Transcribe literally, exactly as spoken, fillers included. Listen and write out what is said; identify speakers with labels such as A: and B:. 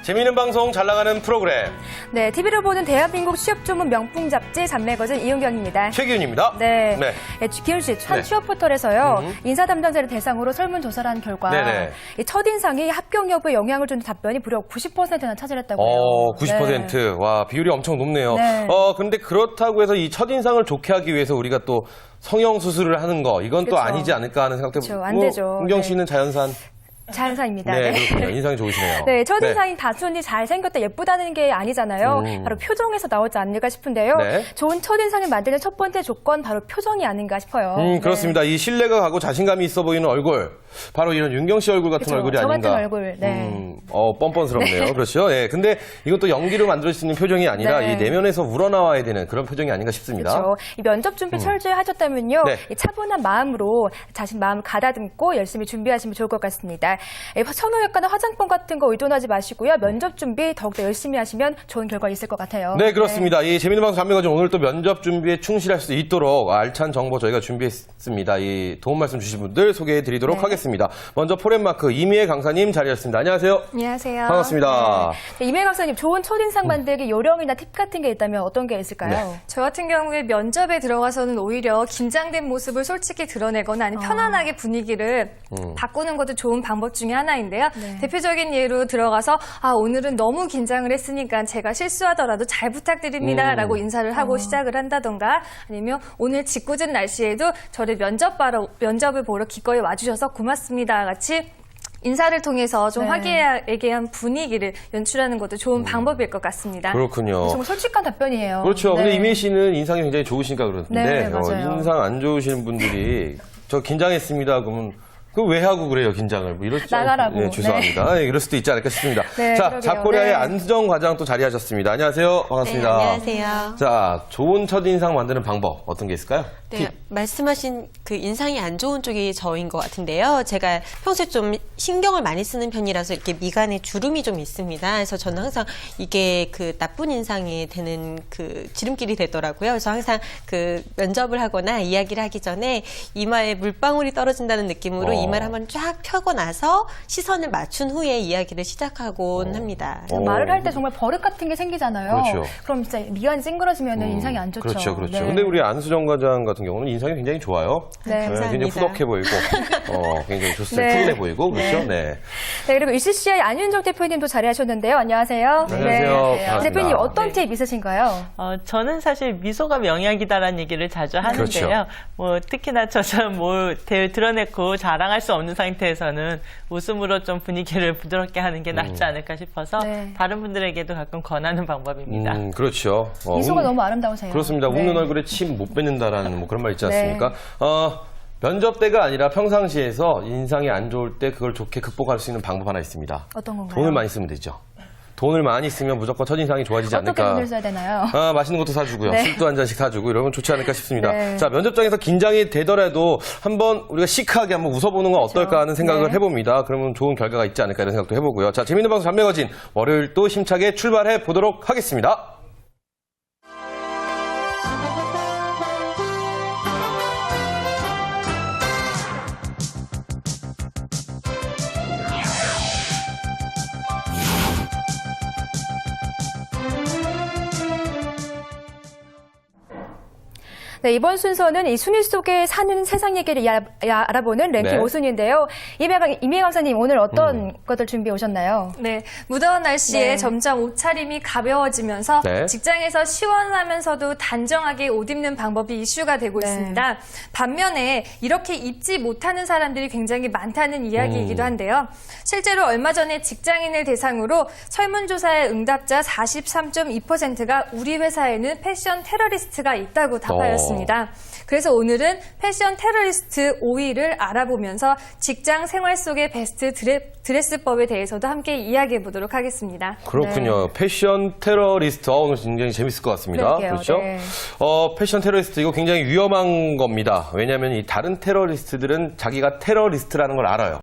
A: 재미있는 방송, 잘 나가는 프로그램.
B: 네, 티비로 보는 대한민국 취업 전문 명품 잡지 잡매거진 이은경입니다.
A: 최기훈입니다.
B: 네.
A: 네.
B: 네, 기훈 씨, 한
A: 네.
B: 취업 포털에서요,
A: 음.
B: 인사 담당자를 대상으로 설문조사를 한 결과,
A: 네네.
B: 이 첫인상이 합격 여부에 영향을 주는 답변이 무려 구십 퍼센트나 차지했다고 해요.
A: 어, 구십 퍼센트.
B: 네.
A: 와, 비율이 엄청 높네요.
B: 네.
A: 어, 그런데 그렇다고 해서 이 첫인상을 좋게 하기 위해서 우리가 또 성형수술을 하는 거, 이건 또
B: 그쵸.
A: 아니지 않을까 하는 생각도
B: 그쵸, 안 되죠.
A: 은경
B: 네.
A: 씨는 자연산.
B: 자연사입니다.
A: 네,
B: 네.
A: 그렇군요. 인상이 좋으시네요.
B: 네, 첫인상이 단순히 잘생겼다, 예쁘다는 게 아니잖아요.
A: 음.
B: 바로 표정에서 나오지 않을까 싶은데요.
A: 네.
B: 좋은 첫인상을 만드는 첫 번째 조건, 바로 표정이 아닌가 싶어요.
A: 음, 그렇습니다. 이 신뢰가 가고 자신감이 있어 보이는 얼굴. 바로 이런 윤경 씨 얼굴 같은
B: 그쵸,
A: 얼굴이
B: 저
A: 아닌가.
B: 같은 얼굴, 네.
A: 음, 어, 뻔뻔스럽네요. 그렇죠. 예. 근데 이것도 연기로 만들 수 있는 표정이 아니라
B: 네.
A: 이 내면에서 우러나와야 되는 그런 표정이 아닌가 싶습니다.
B: 그렇죠. 이 면접 준비 철저히 하셨다면요.
A: 네.
B: 이 차분한 마음으로 자신 마음을 가다듬고 열심히 준비하시면 좋을 것 같습니다. 이 선호효과나 화장품 같은 거 의존하지 마시고요. 면접 준비 더욱더 열심히 하시면 좋은 결과 있을 것 같아요.
A: 네, 그렇습니다. 이 재미있는 방송 잡매거진 오늘 또 면접 준비에 충실할 수 있도록 알찬 정보 저희가 준비했습니다. 이 도움 말씀 주신 분들 소개해 드리도록
B: 네.
A: 하겠습니다. 먼저 포렌마크 이미애 강사님 자리하셨습니다. 안녕하세요.
B: 안녕하세요.
A: 반갑습니다.
B: 네. 이미애 강사님, 좋은 첫인상 만들기 요령이나 팁 같은 게 있다면 어떤 게 있을까요?
A: 네.
C: 저 같은 경우에 면접에 들어가서는 오히려 긴장된 모습을 솔직히 드러내거나 아니면 편안하게 분위기를
A: 음.
C: 바꾸는 것도 좋은 방법 중에 하나인데요.
B: 네.
C: 대표적인 예로 들어가서 아 오늘은 너무 긴장을 했으니까 제가 실수하더라도 잘 부탁드립니다
A: 음.
C: 라고 인사를 하고 시작을 한다던가 아니면 오늘 짓궂은 날씨에도 저를 면접 바로, 면접을 보러 기꺼이 와주셔서 고맙습니다 같이 인사를 통해서 좀
B: 네.
C: 화기애애한 분위기를 연출하는 것도 좋은 방법일 것 같습니다.
A: 그렇군요.
B: 정말 솔직한 답변이에요.
A: 그렇죠.
B: 네.
A: 근데 이미애 씨는 인상이 굉장히 좋으시니까 그러는데
B: 네,
A: 어,
B: 맞아요.
A: 인상 안 좋으시는 분들이 저 긴장했습니다. 그러면 그 왜 하고 그래요, 긴장을? 뭐 이럴 수
B: 나가라고.
A: 네, 죄송합니다. 네, 이럴 수도 있지 않을까 싶습니다.
B: 네,
A: 자,
B: 그러게요.
A: 자코리아의
B: 네.
A: 안수정 과장 또 자리하셨습니다. 안녕하세요. 반갑습니다.
D: 네, 안녕하세요.
A: 자, 좋은 첫인상 만드는 방법 어떤 게 있을까요?
D: 네, 말씀하신 그 인상이 안 좋은 쪽이 저인 것 같은데요. 제가 평소에 좀 신경을 많이 쓰는 편이라서 이렇게 미간에 주름이 좀 있습니다. 그래서 저는 항상 이게 그 나쁜 인상이 되는 그 지름길이 되더라고요. 그래서 항상 그 면접을 하거나 이야기를 하기 전에 이마에 물방울이 떨어진다는 느낌으로
A: 어.
D: 이마를 한번 쫙 펴고 나서 시선을 맞춘 후에 이야기를 시작하곤 합니다.
A: 어.
B: 말을 할 때 정말 버릇 같은 게 생기잖아요.
A: 그렇죠.
B: 럼 진짜 미간이 찡그러지면 은 인상이 안 좋죠.
A: 그렇죠, 그렇죠.
B: 네.
A: 근데 우리 안수정 과장 같은 경우는 인상이 굉장히 좋아요.
B: 네,
D: 감사합니다.
A: 굉장히 후덕해 보이고, 어, 굉장히 좋습니다.
B: 네.
A: 푸근해 보이고, 그렇죠? 네.
B: 네, 그리고 이씨씨아이 안윤정 대표님도 자리하셨는데요. 안녕하세요.
A: 네, 안녕하세요. 반갑습니다.
B: 대표님 어떤
E: 네.
B: 팁 있으신가요?
E: 어, 저는 사실 미소가 명약이다라는 얘기를 자주 하는데요.
A: 그렇죠.
E: 뭐 특히나 저처럼 뭘 대- 드러내고 자랑할 수 없는 상태에서는 웃음으로 좀 분위기를 부드럽게 하는 게 낫지 않을까 싶어서
B: 네.
E: 다른 분들에게도 가끔 권하는 방법입니다.
A: 음, 그렇죠. 어,
B: 미소가
A: 음,
B: 너무 아름다우세요.
A: 그렇습니다.
B: 네.
A: 웃는 얼굴에 침 못 뱉는다라는 뭐 그런 말 있지
B: 네.
A: 않습니까? 어, 면접 때가 아니라 평상시에서 인상이 안 좋을 때 그걸 좋게 극복할 수 있는 방법 하나 있습니다.
B: 어떤 건가요?
A: 돈을 많이 쓰면 되죠. 돈을 많이 쓰면 무조건 첫인상이 좋아지지
B: 어떻게
A: 않을까.
B: 돈을 써야 되나요?
A: 아, 맛있는 것도 사주고요.
B: 네.
A: 술도 한 잔씩 사주고 이러면 좋지 않을까 싶습니다.
B: 네.
A: 자, 면접장에서 긴장이 되더라도 한번 우리가 시크하게 한번 웃어보는 건 어떨까 하는 생각을
B: 네.
A: 해봅니다. 그러면 좋은 결과가 있지 않을까 이런 생각도 해보고요. 자, 재밌는 방송 잡매거진 월요일 또 힘차게 출발해 보도록 하겠습니다.
B: 네, 이번 순서는 이 순위 속에 사는 세상 얘기를 야, 야, 알아보는 랭킹
A: 네.
B: 오 순위인데요. 이미애 강사님 오늘 어떤 것들 준비해 오셨나요?
C: 네, 무더운 날씨에
B: 네.
C: 점점 옷차림이 가벼워지면서
A: 네.
C: 직장에서 시원하면서도 단정하게 옷 입는 방법이 이슈가 되고
B: 네.
C: 있습니다. 반면에 이렇게 입지 못하는 사람들이 굉장히 많다는 이야기이기도
A: 음.
C: 한데요. 실제로 얼마 전에 직장인을 대상으로 설문조사의 응답자 사십삼 점 이 퍼센트가 우리 회사에는 패션 테러리스트가 있다고 답하였습니다. 그래서 오늘은 패션 테러리스트 오 위를 알아보면서 직장 생활 속의 베스트 드레, 드레스법에 대해서도 함께 이야기해 보도록 하겠습니다.
A: 그렇군요. 패션 테러리스트. 어, 오늘 굉장히 재밌을 것 같습니다.
B: 그러게요.
A: 그렇죠?
B: 네.
A: 어, 패션 테러리스트 이거 굉장히 위험한 겁니다. 왜냐하면 이 다른 테러리스트들은 자기가 테러리스트라는 걸 알아요.